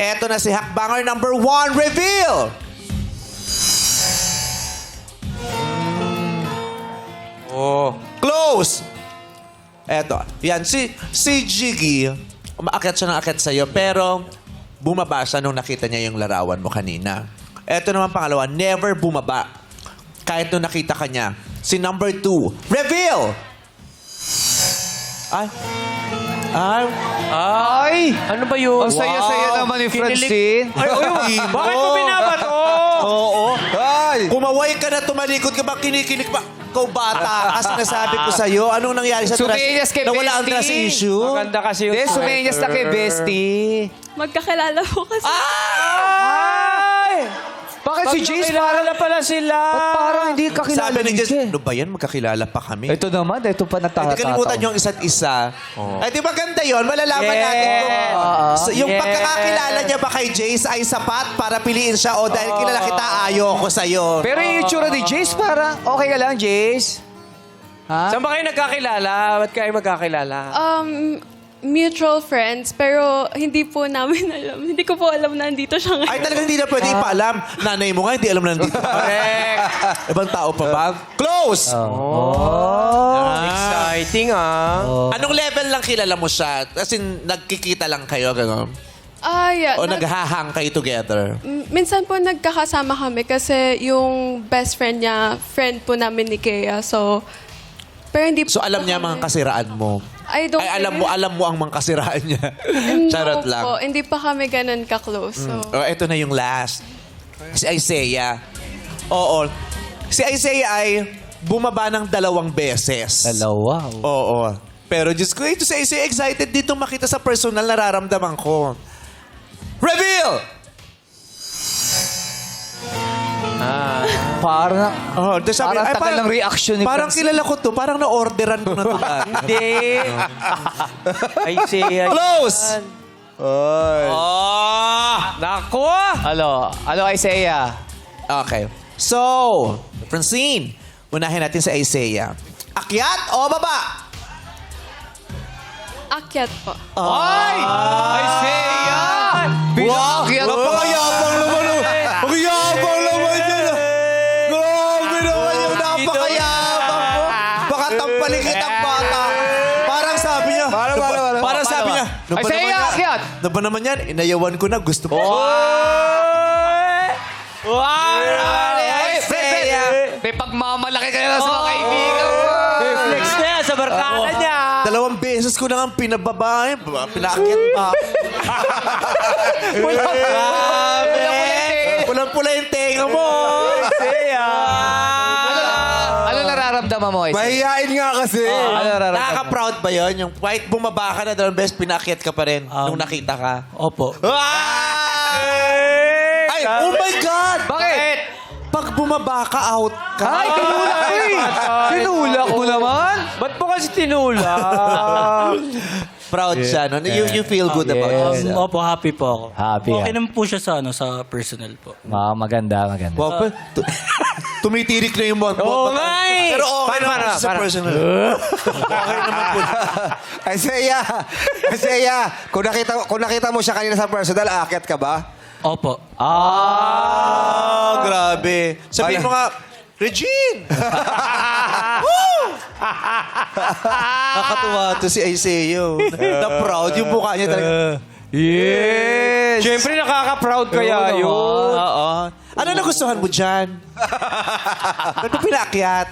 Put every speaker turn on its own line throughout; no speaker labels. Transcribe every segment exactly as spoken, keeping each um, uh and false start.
Eto na si Hakbanger number one. Reveal!
Oh.
Close! Eto. Yan. Si, si Jiggy, umaakyat siya ng akyat sa'yo, pero bumaba siya nung nakita niya yung larawan mo kanina. Eto naman pangalawa, never bumaba. Kahit nung nakita ka niya. Si number two, reveal! Ay. Ay.
Ay! Ano ba yun?
Ang saya-saya naman ni Francine.
Ay, uy, bakit mo binabato?
Oo.
Ay!
Kumaway ka na, tumalikod ka ba, kinikilig ba? Ikaw bata, kasi nasabi ko sa'yo, anong nangyari sa trust?
Sumenyas kay
Nawala ang
Bestie.
trust issue?
Maganda kasi yung
Hindi, sumenyas na kay Bestie.
Magkakilala po kasi.
Ay!
Bakit si Jace
Parang
parang...
na pala sila.
Ba't parang hindi kakilala
Sabi ni
ni
Jess,
Jace?
ano ba yan? Magkakilala pa kami.
Ito naman, ito pa
Hindi
nagtatataw.
kalimutan yung isa't isa. Ay, di ba ganda yun? Malalaman
Yeah.
natin kung so, yung
Yeah.
pagkakakilala niya ba kay Jace ay sapat para piliin siya o dahil kilala kita, ayoko sa'yo.
Pero yung itsura ni Jace parang, okay ka lang, Jace? Ha?
Saan ba kayo nagkakilala? Ba't kayo magkakilala?
Um, mutual friends, pero hindi po namin alam. Hindi ko po alam na nandito siya ngayon.
Ay, talagang hindi na pwede ipaalam. Nanay mo nga, hindi alam na nandito.
Correct.
Ibang tao pa ba? Close!
Oh.
Exciting, ah.
Anong level lang kilala mo siya? As in, nagkikita lang kayo, gano'n?
Ah, yeah.
O
Nag-
naghahang kayo together?
M- minsan po nagkakasama kami kasi yung best friend niya, friend po namin ni Kea. So, pero hindi po
So, alam niya
kami-
mga kasiraan mo?
I don't
Ay, alam mo, alam mo ang mga kasiraan niya.
No
Charot lang.
po, hindi pa kami ganun ka-close. So,
Oh, ito na yung last. Si Isaiah. Oo. Si Isaiah ay bumaba ng dalawang beses.
Dalawa.
Oo. Pero Diyos ko, ito si Isaiah excited dito makita sa personal nararamdaman ko. Reveal!
Parang,
Oh, tapos sabi,
Parang
ay,
tagal ng reaction ni
Parang
Francine.
kilala ko to. Parang na-orderan ko na to dati.
Hindi. Ay, siya.
Close!
Oh! Naku!
Alo, alo Isaiah.
Okay. So, Francine, unahin natin sa Isaiah. Akyat o baba?
akyat po.
Ay!
Isaiah!
Wow!
Pinakakyan.
Napakayabang naman. oh. Ang yabang naman yan. ah. Grabe naman yung napakayabang mo. Baka tampalin kitang bata. Parang sabi niya.
Para, para, para.
Parang sabi niya. "Ano ba
Isaiah,
naman yan?
akyat!"
Ano ba naman yan? Inayawan ko na. Gusto mo.
Oy! Wow!
Ay,
Isaiah.
May pagmamalaki ka na sa mga kaibigan mo.
Flex na yan sa barkada niya.
Dalawang beses ko na nga pinababae. Pinaakyat pa. Grabe. Pulang-pula yung tenga mo.
Ano nararamdaman mo, Isaiah?
Mahihain nga kasi.
Ano nararamdaman?
Nakaka-proud ba yun? Yung white bumaba ka na dalawang beses, pinaakyat ka pa rin nung nakita ka.
Opo.
Ay! Oh my God!
Bakit?
Pag bumaba ka, out ka.
Ay, tinulak ko eh. Tinulak mo naman.
Ba't po kasi tinula?
Proud siya, no? You, you feel good about
Um,
yourself.
opo, happy po ako.
Happy,
Okay
ah.
naman po siya sa, ano, sa personal po.
Ah, maganda, maganda.
Wow, pa- tu- tumitirik na yung mga
Oo nga eh.
Pero okay
Para,
naman
para,
sa
para.
personal. Okay naman po.
Isaiah! Isaiah! Kung nakita, kung nakita mo siya kanina sa personal, aakyat ka ba? Opo.
Ah, grabe. Sabihin mo nga, Regine! Woo! Nakatuwa to si Isaiah. Na proud yung mukha niya talaga.
Yes!
Siyempre, nakaka-proud kaya yun.
Oo. Ano nagustuhan mo dyan? Ba't mo pinaakyat?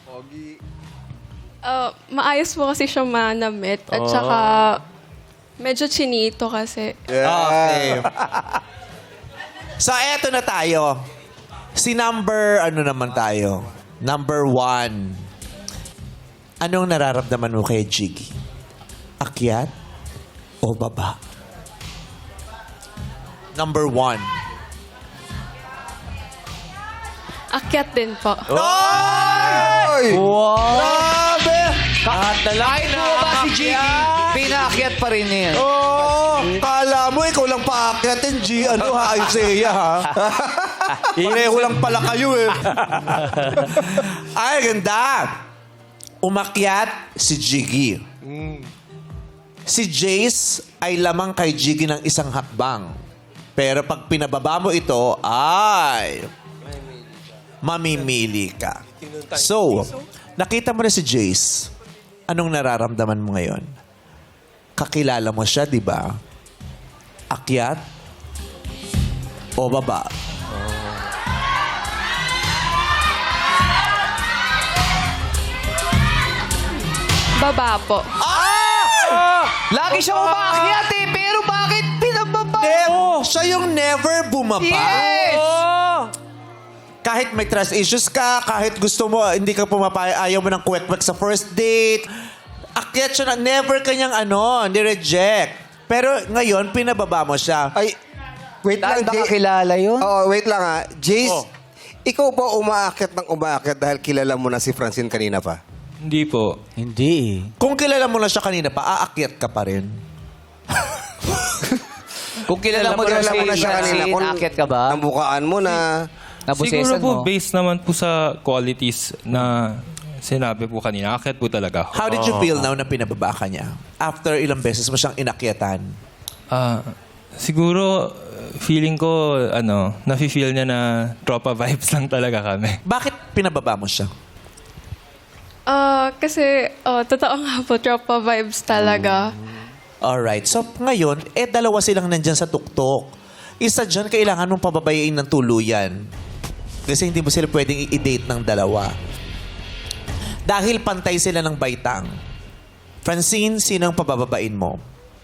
Uh, maayos po kasi siya manamit. At saka, medyo chinito kasi.
Okay. So, eto na tayo. Si number, ano naman tayo? Number one. Anong nararamdaman mo kay Jiggy? Akyat o baba? Number one.
Akyat din po.
Ay!
Wow!
Grabe!
Kahit na lang
Kahit bumaba si Jiggy, pinaakyat pa rin niya.
Oh, kala mo ikaw lang paakyatin, G. Ano ha, Isaiah, ha? Pareho lang pala kayo, eh. Ay, ganda. Umakyat si Jiggy. Si Jace ay lamang kay Jiggy ng isang hakbang. Pero pag pinababa mo ito, ay... mamimili ka. So, nakita mo na si Jace. Anong nararamdaman mo ngayon? Kakilala mo siya, di ba? Akyat o baba?
Baba po.
Lagi siya umakyat eh, pero bakit pinababa?
Never, siya yung never bumaba.
Yes!
Kahit may trust issues ka, kahit gusto mo, hindi ka pumapay, ayaw mo ng kwek-kwek sa first date, akyat siya na, never kanyang ano, ni-reject. Pero ngayon, pinababa mo siya.
Ay, wait
Dahil
lang,
baka
Jay.
kilala yun.
Oo, wait lang ha. Jace,
Oh.
ikaw ba umaakit ng umaakit dahil kilala mo na si Francine kanina pa?
Hindi po.
Hindi eh.
Kung kilala mo na siya kanina pa, aakyat ka pa rin.
Kung kilala mo
Kilala
daw
mo na
si
siya kanina.
Francine, akyat ka ba?
Nabukaan mo na.
Siguro
Nabusesan
po,
mo?
based naman po sa qualities na sinabi po kanina, akit po talaga ako.
How did you feel now na pinababa ka niya? After ilang beses mo siyang inakyatan?
Ah, siguro, feeling ko, ano, nafe-feel niya na tropa vibes lang talaga kami.
Bakit pinababa mo siya?
Ah, kasi, oh, totoo nga po, tropa vibes talaga.
Alright. So, ngayon, eh, dalawa silang nandyan sa tuktok. Isa dyan, kailangan mong pababayain ng tuluyan. Kasi hindi mo sila pwedeng i-date ng dalawa. Dahil pantay sila ng baitang. Francine, sino ang pabababain mo?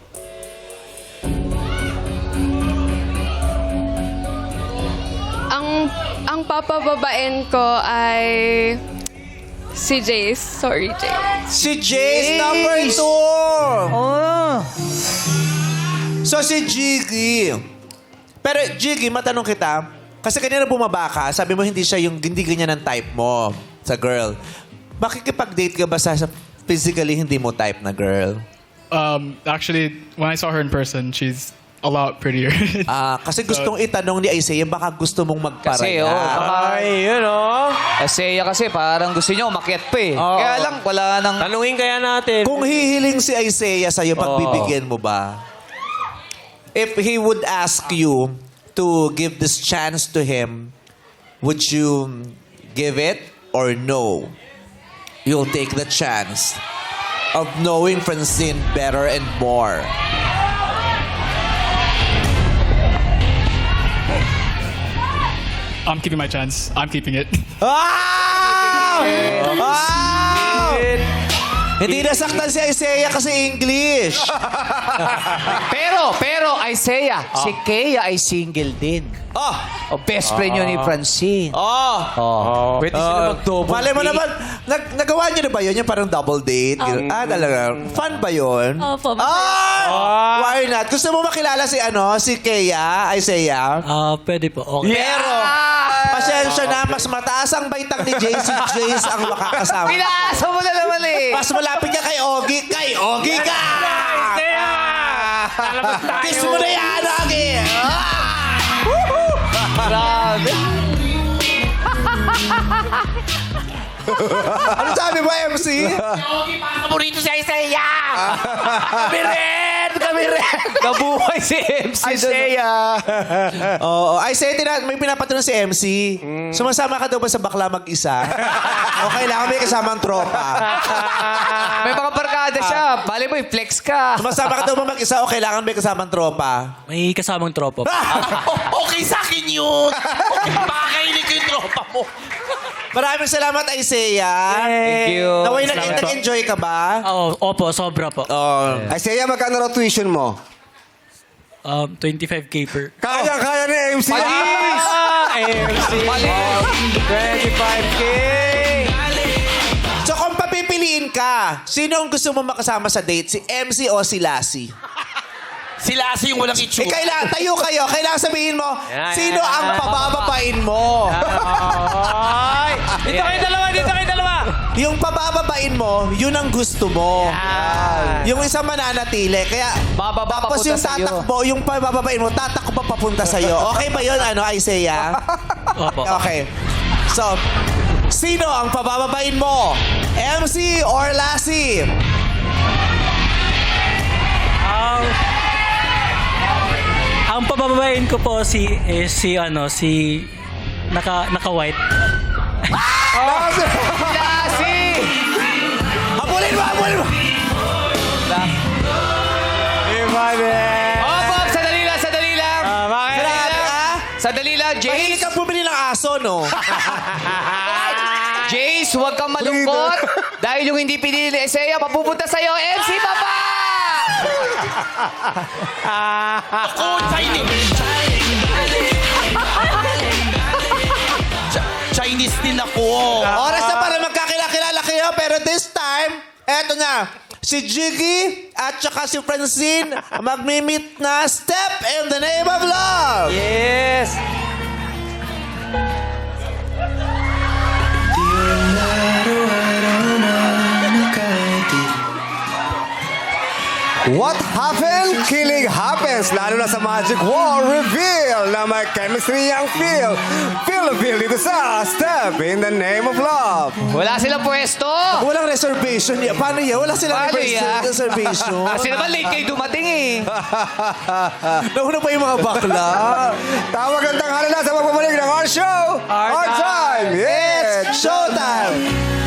Ang, ang papababain ko ay si Jace. Sorry, Jace.
Si Jace, number two!
Oh.
So, si Jiggy. Pero, Jiggy, matanong kita, kasi kanina bumaba ka, sabi mo hindi siya yung, hindi ganyan ang type mo sa girl. Makikipag-date ka ba sa, sa physically hindi mo type na girl?
Um, actually, when I saw her in person, she's a lot prettier.
Ah, kasi gustong itanong ni Isaiah, baka gusto mong
Kasi,
magparaya.
oh, baka,
Ay, yun oh.
Seya kasi parang gusto niyo umakyat pa eh.
Oo.
Kaya lang, wala nang...
Tanungin kaya natin.
Kung hihiling si Isaiah sa'yo, pagbibigyan mo ba? If he would ask you to give this chance to him, would you give it or no? You'll take the chance of knowing Francine better and more.
I'm keeping my chance. I'm keeping it.
Ah! Ah! Hindi nasaktan si Isaiah kasi English.
Pero, pero, Isaiah, si Kea ay single din.
Oh!
O best friend yun ni Francine.
Oh!
Oh.
Pwede sila mag-double
Malay mo
date.
naman, nag nagawa niyo na ba yun? Yung parang double date? ah, talaga. Fun ba yun?
Opo,
Ah! Why not? Gusto mo makilala si ano, si Kea, Isaiah?
Ah, pwede po. Okay.
Pero, pasensya na, mas mataas ang baitang ni Jace. Si Jace ang makakasama.
Pinaasa mo na naman eh.
Mas malapit niya kay Ogie. Kay Ogie ka! Kiss mo na yan, Ogie! Ah!
Grabe.
Ano sabi mo, M C?
Kami rin! Kami rin!
Nabuhay si M C doon.
Isaiah. Oo. Isaiah, tina- may pinapatanong si M C. Sumasama ka daw ba sa bakla mag-isa? O kailangan may kasamang tropa?
May mga barkada siya. Bali mo, i-flex ka.
Sumasama ka daw ba mag-isa o kailangan may kasamang tropa?
May kasamang tropa po.
Okay sa akin yun! Pakakainin ko yung tropa mo. Maraming salamat, Isaiah.
Thank you.
Naway, nag- nag-enjoy ka ba?
Oo, opo, sobra po.
Oh.
Isaiah, magkano raw tuition mo?
Um, twenty-five K per.
Kaya, kaya ni M C.
Malis!
M C. twenty-five K.
So kung papipiliin ka, sino ang gusto mo makasama sa date? Si M C o si Lassie?
Si Lassie yung walang
Eh,
itsura.
kailangan, tayo kayo. Kailangan sabihin mo,
Yan,
sino
yan,
ang
yan.
pabababain mo?
Ay! Dito kayo dalawa, dito kayo dalawa.
Yung pabababain mo, yun ang gusto mo. Yung isang mananatili. Kaya,
Bababa
tapos
papunta
yung
sa'yo.
tatakbo, yung pabababain mo, tatakbo papunta sa'yo. Okay ba yun, ano, Isaiah?
Opo.
Okay. So, sino ang pabababain mo? M C or Lassie?
Ang... ang Ang pabababain ko po si is si ano si naka naka white.
Lassie!
Habulin mo, habulin mo!
Iba din.
Oh, Bob, sadali lang, sadali lang.
Ah, bakit?
Sadali lang.
Ah?
Sadali lang,
Mahilig
Jace.
kang bumili ng aso, no?
Jace, huwag kang malungkot. Dahil yung hindi pinili ni Isaiah, mapupunta sa'yo, M C Papa!
Ako, Chinese. Ch- Chinese din ako.
Oras na para magkakilala kayo, pero this time, eto na. Si Jiggy at saka si Francine magmi-meet na Step in the Name of Love.
Yes!
What happened? Killing happens. Lalo na sa Magic Wall Reveal na may chemistry ang feel. Feel the feel dito sa Step in the Name of Love.
Wala silang pwesto.
Walang reservation. Ya- Paano yan? Wala silang
Paano
res-
yan?
reservation.
Kasi naman late kayo dumating eh.
Nauna pa yung mga bakla.
Tawag ang tanghali na sa pagbabalik ng our show.
Our
Our time.
time.
Yes.
It's showtime.